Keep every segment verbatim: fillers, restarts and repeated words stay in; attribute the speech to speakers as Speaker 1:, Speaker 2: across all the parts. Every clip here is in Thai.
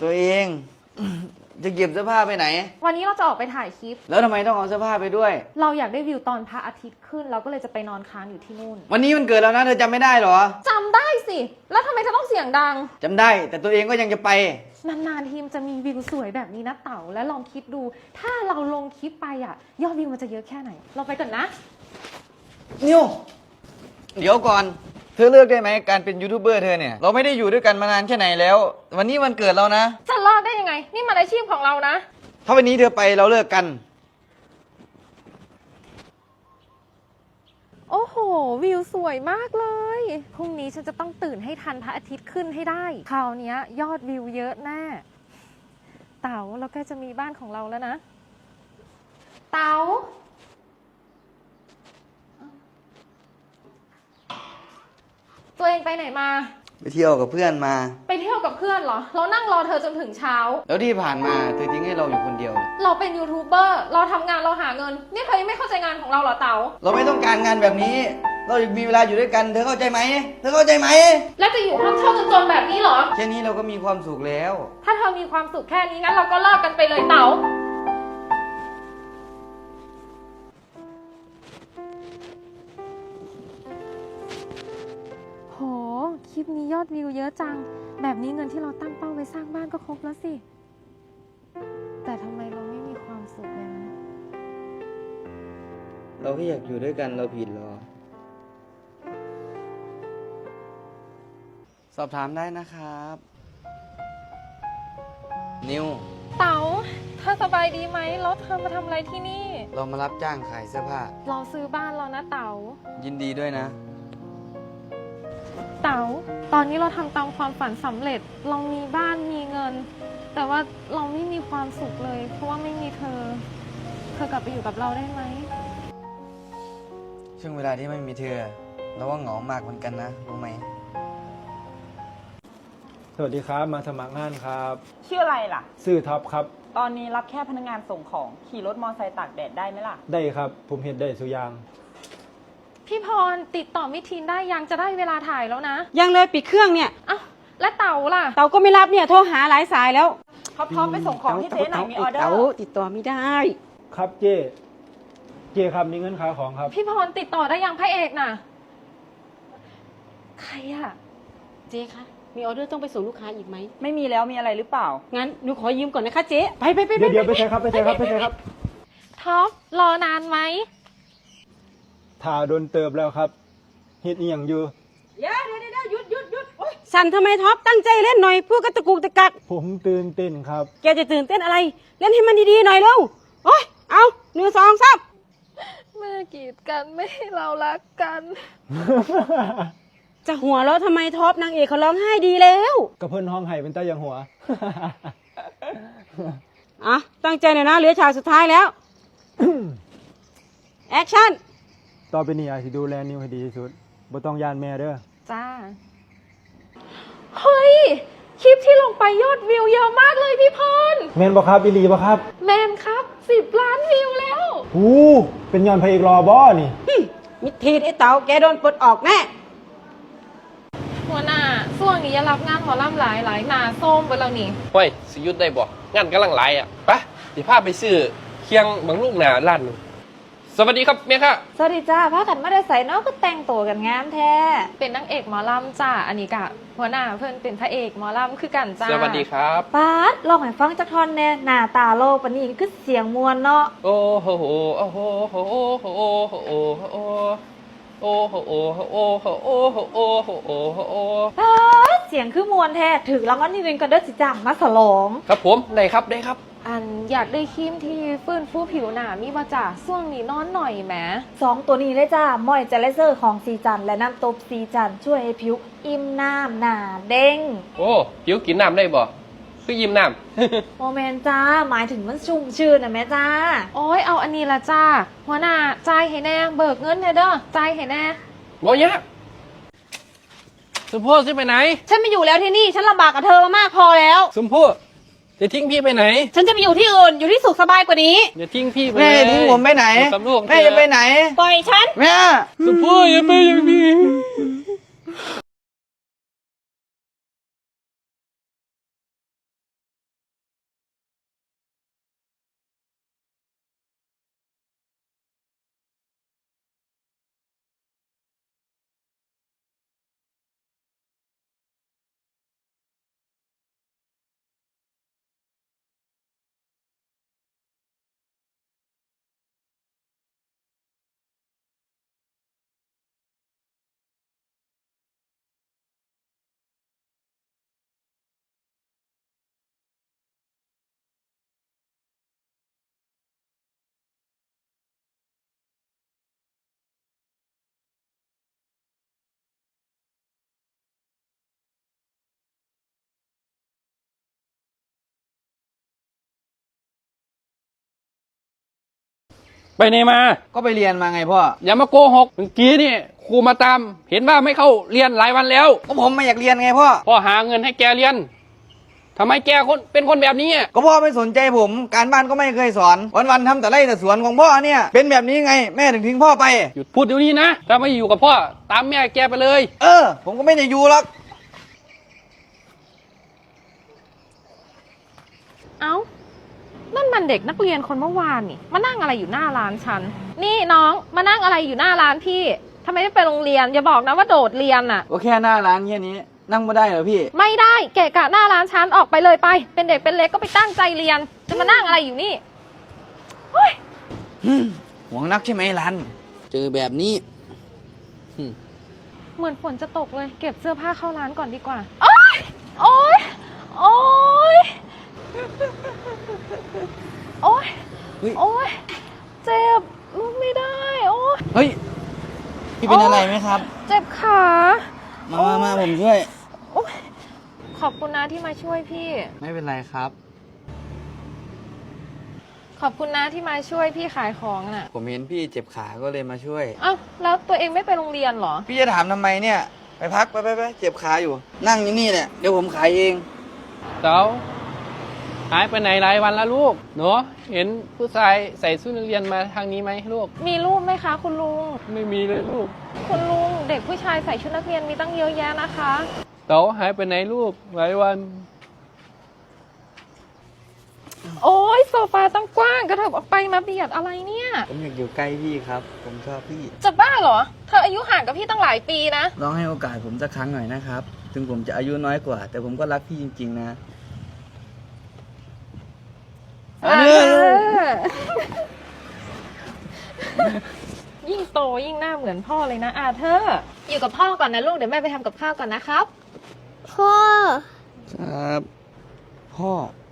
Speaker 1: ตัวเอง จะเก็บเสื้อผ้าไปไหน
Speaker 2: วันนี้เราจะออกไปถ่ายคลิป
Speaker 1: แล้วทำไมต้องเอาเสื้อผ้าไปด้วย
Speaker 2: เราอยากได้วิวตอนพระอาทิตย์ขึ้นเราก็เลยจะไปนอนค้างอยู่ที่นู่น
Speaker 1: วันนี้มันเกิดแล้วนะเธอจำไม่ได้หรอ
Speaker 2: จำได้สิแล้วทำไมเธอต้องเสียงดัง
Speaker 1: จำได้แต่ตัวเองก็ยังจะไป
Speaker 2: นานๆทีมจะมีวิวสวยแบบนี้นะเต๋าและลองคิดดูถ้าเราลงคลิปไปอ่ะยอดวิวมันจะเยอะแค่ไหนเราไปก่อนนะ
Speaker 1: นิวเดี๋ยวก่อนเธอเลือกได้ไหมการเป็นยูทูบเบอร์เธอเนี่ยเราไม่ได้อยู่ด้วยกันมานานแค่ไหนแล้ววันนี้วันเกิดเรานะ
Speaker 2: จะเลิกได้ยังไงนี่มันอาชีพของเรานะ
Speaker 1: ถ้าวันนี้เธอไปเราเลิกกัน
Speaker 2: โอ้โหวิวสวยมากเลยพรุ่งนี้ฉันจะต้องตื่นให้ทันพระอาทิตย์ขึ้นให้ได้คราวนี้ยอดวิวเยอะแน่เต๋าเราใกล้จะมีบ้านของเราแล้วนะเต๋าตัวเองไปไหนมา
Speaker 1: ไปเที่ยวกับเพื่อนมา
Speaker 2: ไปเที่ยวกับเพื่อนเหรอเรานั่งรอเธอจนถึงเช้า
Speaker 1: แล้วที่ผ่านมาเธอทิ้งให้เราอยู่คนเดียว
Speaker 2: เราเป็นยูทูบเบอร์เราทำงานเราหาเงินนี่เธอยังไม่เข้าใจงานของเราเหรอเต๋า
Speaker 1: เราไม่ต้องการงานแบบนี้เราอยากมีเวลาอยู่ด้วยกันเธอเข้าใจไหมเธอเข้าใจไหม
Speaker 2: แล้วจะอยู่ห้องเช่าจนๆแบบนี้เหรอ
Speaker 1: แค่นี้เราก็มีความสุขแล้ว
Speaker 2: ถ้าเธอมีความสุขแค่นี้งั้นเราก็เลิกกันไปเลยเต๋าโหคลิปนี้ยอดวิวเยอะจังแบบนี้เงินที่เราตั้งเป้าไว้สร้างบ้านก็ครบแล้วสิแต่ทำไมเราไม่มีความสุขเลยนะ
Speaker 1: เราแค่อยากอยู่ด้วยกันเราผิดหรอสอบถามได้นะครับนิว
Speaker 2: เต๋าเธอสบายดีไหมแล้วเธอมาทำอะไรที่นี่
Speaker 1: เรามารับจ้างขายเสื้อผ้า
Speaker 2: เราซื้อบ้านเรานะเต๋า
Speaker 1: ยินดีด้วยนะ
Speaker 2: เต๋าตอนนี้เราทำตามความฝันสำเร็จเรามีบ้านมีเงินแต่ว่าเราไม่มีความสุขเลยเพราะว่าไม่มีเธอเธอกลับไปอยู่กับเราได้ไหม
Speaker 1: ช่วงเวลาที่ไม่มีเธอเราว่าเหงามากเหมือนกันนะรู้ไหม
Speaker 3: สวัสดีครับมาสมัครงานครับ
Speaker 4: ชื่ออะไรล่ะ
Speaker 3: ชื่อท็อปครับ
Speaker 4: ตอนนี้รับแค่พนักงานส่งของขี่รถมอเตอร์ไซค์ตากแดดได้ไหมล่ะ
Speaker 3: ได้ครับผมเห็นได้สุยาง
Speaker 2: พี่พรติดต่อมิทีนได้ยังจะได้เวลาถ่ายแล้วนะ
Speaker 5: ยังเลยปิดเครื่องเนี่ย
Speaker 2: อ้าวและเต๋าล่ะ
Speaker 5: เต๋าก็ไม่รับเนี่ยโทรหาหลายสายแล้ว
Speaker 4: พร้อมไปส่งของที่เจ๊หน่อยมีออเดอร์
Speaker 5: เต๋าติดต่อไม่ได้
Speaker 3: ครับเจ๊เจ๊ครับมีเงินค่าของครับ
Speaker 2: พี่พรติดต่อได้ยังพระเอกน่ะใครอะ
Speaker 5: เจ๊คะมีออเดอร์ต้องไปส่งลูกค้าอีกไหม
Speaker 4: ไม่มีแล้วมีอะไรหรือเปล่า
Speaker 5: งั้นหนูขอยืมก่อนนะคะเจ๊ไปไปไป
Speaker 3: เดี๋ยวเดี๋ยวไปใช่ครับไปใช่ครับไปใช่ครับ
Speaker 2: ท็อปรอนานไหม
Speaker 3: ถ่าโดนเติบแล้วครับเฮ็ดอีหยังอยู่
Speaker 5: เดี๋ยวเดี๋ยวเดี๋ยวหยุดหยุดหยุดสั่นทำไมท็อปตั้งใจเล่นหน่อยพูดกระตุกตะกัก
Speaker 3: ผมตื่นเต้นครับ
Speaker 5: แกจะตื่นเต้นอะไรเล่นให้มันดีๆหน่อยเร็วโอ้ยเอาหนึ่งสองสาม
Speaker 2: เมื่อกีดกันไม่ให้เรารักกัน
Speaker 5: จะหัวเราะทำไมท็อปนางเอกเขาร้องไห้ดีแล้ว
Speaker 3: กระเพิ่นห้องไห้เป็นตาอย่างหัว
Speaker 5: อ่ะตั้งใจหน่อยนะเหลือฉากสุดท้ายแล้วแอคชั่น
Speaker 3: ต่อไปนี้อาจจะดูแลนิวให้ดีที่สุดบ่ต้องย่านแม่เด้อ
Speaker 2: จ้าเฮ้ยคลิปที่ลงไปยอดวิวเยอะมากเลยพี่พร
Speaker 3: แมนบ่ครับอีหลีบ่ครับ
Speaker 2: แมนครับสิบล้านวิวแล้ว
Speaker 3: โอ้เป็นย้อนพระเอกรอบ่นี่
Speaker 5: มิทีไอ้เต๋าแกโดนปลดออกแน่
Speaker 2: หัวหน้าช่วงนี้อย่ารับงานหมอลำหลายหลายหนาส้มไปแล้วนี่
Speaker 6: เฮ้ยสิยุดได้บ่งานกำลังหลายอ่ะไปเดี๋ยวพาไปซื้อเคียงบางลูกหนาร้านนึงสวัสดีครับเมียค่ะ
Speaker 4: สวัสดีจ้าพากันมาได้ใส่เนาะก็แต่งตัวกันงามแท้
Speaker 2: เป็นนางเอกหมอลำจ้าอันนี้กะหัวหน้าเพื่อนเป็นพระเอกหมอลำคือกันจ้า
Speaker 6: สวัสดีครับ
Speaker 4: ป๊าดลองให้ฟังจักท่อนแน่หน้าตาโลกปานนี้คือเสียงมวลเนาะ
Speaker 6: โอ้โหโอ้โหโอ้โหโอ้โหโอ้โหโอ้โหโอ้โหโอ้โหโอ้โหโอ้โหโอ้โหโอ้
Speaker 4: ป๊าดเสียงคือมวลแท้ถึงรางวัลที่หนึ่งก็เด้อสิจ้างมาฉลอง
Speaker 6: ครับผมได้ครับได้ครับ
Speaker 2: อันอยากได้ครีมที่ฟื้นฟูผิวหนามีมาจากช่วงนี้นอนหน่อยแหม
Speaker 4: สองตัวนี้เลยจ้ามอยเจลเซอร์ของซีจันและน้ำตบซีจันช่วยให้ผิวอิ่มน้ำหนาเด้ง
Speaker 6: โอ้ผิวกินน้ำได้บ่คือยิ้มน้
Speaker 4: ำโมเมนจ้าหมายถึงมันชุ่มชื่นนะแม่จ้า
Speaker 2: โอ้ยเอาอันนี้ละจ้าหัวหน้าจ่ายให้แน่เบิกเงินให้เด้อจ่ายให้แน่
Speaker 6: บ่ยะสมพู่จะไปไหน
Speaker 4: ฉันไม่อยู่แล้วที่นี่ฉันลำบากกับเธอมามากพอแล้ว
Speaker 6: สมพู่จะทิ้งพี่ไปไหน
Speaker 4: ฉันจะไปอยู่ที่อื่นอยู่ที่สุขสบายกว่านี้
Speaker 6: อย่าทิ้งพี่ไป
Speaker 1: แม่ทิ้งผมไปไหนแม่จะไปไหน
Speaker 4: ปล่อยฉัน
Speaker 1: แม่
Speaker 6: สมพู่อย่าไปอย่างนี้ไปไหนมา
Speaker 1: ก็ไปเรียนมาไงพ่อ
Speaker 6: อย่ามาโกหกเมื่อกี้นี่ครูมาตามเห็นว่าไม่เข้าเรียนหลายวันแล้ว
Speaker 1: ก็ผมไม่อยากเรียนไงพ่อ
Speaker 6: พ่อหาเงินให้แกเรียนทำไมแกคนเป็นคนแบบนี้อะ
Speaker 1: ก็พ่อไม่สนใจผม การบ้านก็ไม่เคยสอน วันๆทำแต่ไร่แต่สวนของพ่อเนี่ย เป็นแบบนี้ไง แม่ถึงทิ้งพ่อไป
Speaker 6: หยุดพูดเดี๋ยวนี้นะถ้าไม่อยู่กับพ่อตามแม่แกไปเลย
Speaker 1: เออ ผมก็ไม่ได้อยู่หรอก
Speaker 2: เอ้า นั่นมันเด็กนักเรียนคนเมื่อวานนี่ มานั่งอะไรอยู่หน้าร้านฉัน นี่น้อง มานั่งอะไรอยู่หน้าร้านพี่ทำไมไม่ไปโรงเรียน อย่าบอกนะว่าโดดเรียนน่ะ
Speaker 1: ก็แค่หน้าร้านแค่นี้ นั่งไม่ได้เหรอพี่
Speaker 2: ไม่ได้ เกะกะหน้าร้านฉันออกไปเลยไป เป็นเด็กเป็นเล็กก็ไปตั้งใจเรียน จะมานั่งอะไรอยู่นี่เฮ้ย
Speaker 1: หวงนักใช่ไหมรัน เจอแบบนี้
Speaker 2: เหมือนฝนจะตกเลย เก็บเสื้อผ้าเข้าร้านก่อนดีกว่า โอ๊ย โอ๊ย โอ๊ย โอ๊ย
Speaker 1: เฮ้ย
Speaker 2: โอ๊ย เจ็บลุกไม่ได้ โอ๊ย
Speaker 1: เฮ้ย พี่เป็นอะไรไหมครับ
Speaker 2: เจ็บขา
Speaker 1: มามามาผมช่วย
Speaker 2: โอ๊ยขอบคุณนะที่มาช่วยพี่
Speaker 1: ไม่เป็นไรครับ
Speaker 2: ขอบคุณนะที่มาช่วยพี่ขายของน่ะ
Speaker 1: ผมเห็นพี่เจ็บขาก็เลยมาช่วย
Speaker 2: เอ้าแล้วตัวเองไม่ไปโรงเรียนเหรอ
Speaker 1: พี่จะถามทำไมเนี่ย ไปพักไปไปไปเจ็บขาอยู่ นั่งอยู่นี่เนี่ยเดี๋ยวผมขายเอง
Speaker 6: เต๋าหายไปไหนหลายวันแล้วลูกเนาะเห็นผู้ชายใส่ชุดนักเรียนมาทางนี้ไหมลูก
Speaker 2: มีรูปไหมคะ คุณลุง
Speaker 6: ไม่มีเลยลูก
Speaker 2: คุณลุงเด็กผู้ชายใส่ชุดนักเรียนมีตั้งเยอะแยะนะคะ
Speaker 6: เต๋าหายไปไหนลูกหลายวัน
Speaker 2: โอ้ยโซฟาตั้งกว้างกระเถิบออกไปมาเบียดอะไรเนี่ย
Speaker 1: ผมอยากอยู่ใกล้พี่ครับ ผมชอบพี่
Speaker 2: จะบ้าเหรอ เธออายุห่างกับพี่ตั้งหลายปีนะ
Speaker 1: ลองให้โอกาสผมสักครั้งหน่อยนะครับ ถึงผมจะอายุน้อยกว่า แต่ผมก็รักพี่จริงๆนะ
Speaker 2: เออ ยิ่งโตยิ่งหน้าเหมือนพ่อเลยนะอาเธอร์อยู่กับพ่อก่อนนะลูกเดี๋ยวแม่ไปทำกับข้าวก่อนนะครับ
Speaker 4: พ่อ
Speaker 1: ครับ พ่อ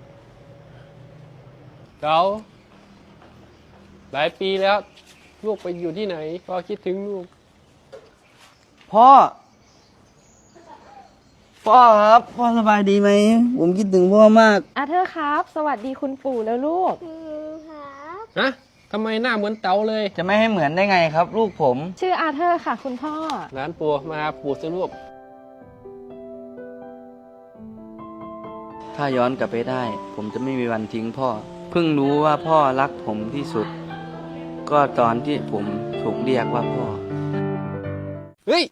Speaker 6: เต๋าหลายปีแล้ว ลูกไปอยู่ที่ไหนพ่อคิดถึงลูก
Speaker 1: พ่อ พ่อครับ พ่อสบายดีไหม ผมคิดถึงพ่อมาก
Speaker 2: อาเธอร์ครับ สวัสดีคุณปู่แล้วลูก
Speaker 6: ฮะทำไมหน้าเหมือนเต๋าเลย
Speaker 1: จะไม่ให้เหมือนได้ไงครับ ลูกผม
Speaker 2: ชื่ออาเธอร์ค่ะ คุณพ่อ
Speaker 6: หลานปู่มาหาปู่สิลูก
Speaker 1: ถ้าย้อนกลับไปได้ ผมจะไม่มีวันทิ้งพ่อ เพิ่งรู้ว่าพ่อรักผมที่สุด ก็ตอนที่ผมถูกเรียกว่าพ่อ
Speaker 6: เฮ้ย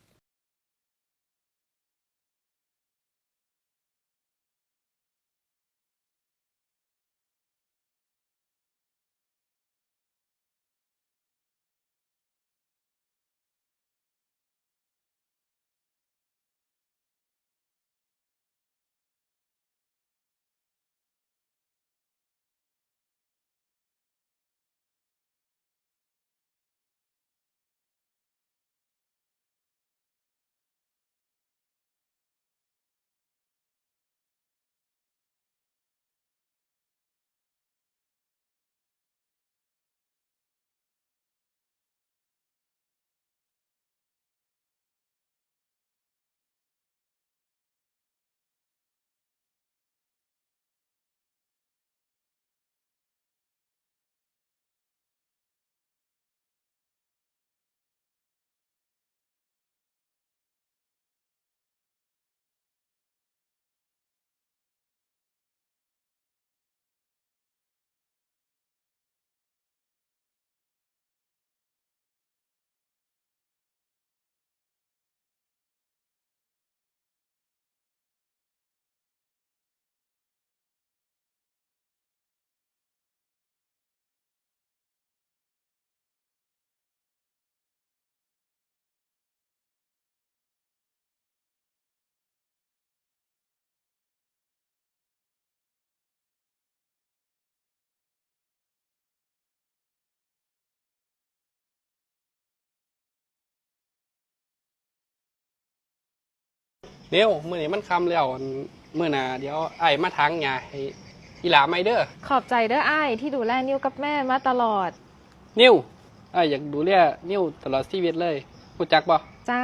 Speaker 6: เดี๋ยวเมื่อนี้มันคำแล้วเมื่อหนาเดี๋ยวไอ้มาทางหญ้าให้อีหลาไม่เด้อ
Speaker 2: ขอบใจเด้ออ้ายที่ดูแลนิ้วกับแม่มาตลอด
Speaker 6: นิ้วไอ้อยากดูแลนิ้วตลอดชีวิตเลยรู้จักบ่
Speaker 2: จ้า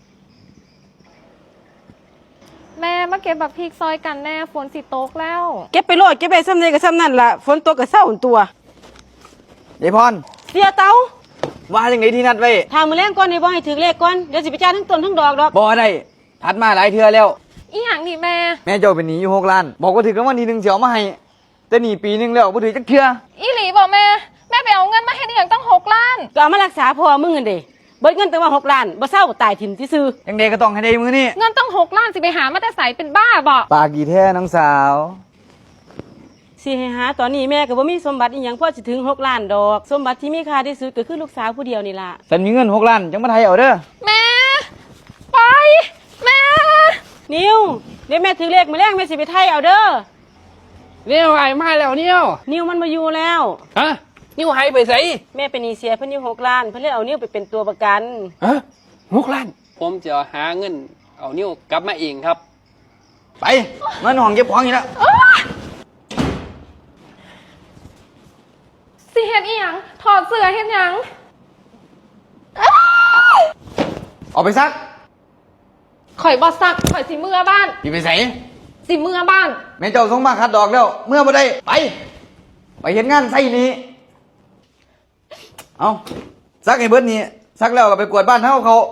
Speaker 2: แม่มาเก็บบักพริกซอยกันแน่ฝนสิตกแล้ว
Speaker 5: เก็บไปโลดเก็บไปซ้ำใดกับซ้ำนั่นล่ะฝนตกกับเศร้าตัว
Speaker 1: ยายพร
Speaker 5: เสียเตา
Speaker 1: ว่าจังไดที่นัดไว้
Speaker 5: ทางมือแรงก่อนนี่บ่ให้ถึงเลขก่อนเดี๋ยวสิไปจ่ายทั้งต้นทั้งดอกดอก
Speaker 1: บ่ได้ทัดมาหลายเทื่อแล้ว
Speaker 2: อีหยังนี่แม่
Speaker 1: แม่เจ้าเป็นหนี้อยู่หกล้าน บอกว่าถือกันวันที่หนึ่งเสียวมาให้ แต่หนีปีหนึงแล้วบ่ถือจักเทื่อ
Speaker 2: อีหลีบอกแม่ แม่ไปเอาเงินมาให้นี่อย่างตั้งหกล้าน
Speaker 5: ก็เอามารักษาพ่อมึงกันเด้เบิดเงินตั้งว่าหกล้านบ่เศร้าก็ตายถิ่มซื่อ
Speaker 1: จังไดก็ต้องให้ได้มื้อนี้
Speaker 2: เงินตั้งหกล้านสิไปหามาแต่ใสเป็นบ้าบอก
Speaker 1: ปากกี่แท้น้องสาว
Speaker 5: ๆสิให้หาตอนนี้แม่ก็บ่มีสมบัติอีหยังพอสิถึงหกล้านดอก สมบัติที่มีค่าที่สุดก็คือลูกสาวผู้เดียวนี่ล่ะ
Speaker 1: ฉันมีเงินหกล้านจังมาไทยเอาเด้อ
Speaker 2: แม่ ไป แม่
Speaker 5: นิวเดี๋ยวแม่ถึงเลขมื้อแรงแม่สิไปไทยเอาเด้อ
Speaker 6: เนี่ยไอ้มาแล้วเนี่ย
Speaker 5: นิวมันมาอยู่แล้ว
Speaker 6: ฮะนิ้วหายไปไส
Speaker 5: แม่เป็นหนี้เสียเพิ่นอยู่หกล้านเพิ่นเลยเอานิวไปเป็นตัวประกัน
Speaker 6: ฮะหกล้าน ผมจะหาเงิน เอานิ้วกลับมาเองครับ
Speaker 1: ไปเงินห้องเก็บของอยู่แล้ว
Speaker 2: สิเฮ็ดอีหยังถอดเสื้อเฮ็ดหยัง
Speaker 1: ออกไปซัก
Speaker 2: ข่อยบอสักข่อยสิเมื่อบ้าน
Speaker 1: สิไปไส
Speaker 2: สิเมื่อบ้าน
Speaker 1: แม่เจ้าส่งมาคัดดอกแล้ว เมื่อบ่ได้ไป ไปเฮ็ดงานไสนี้ เอาซักให้เบิดนี่ซักแล้วก็ไปกวาดบ้านเฮาเขา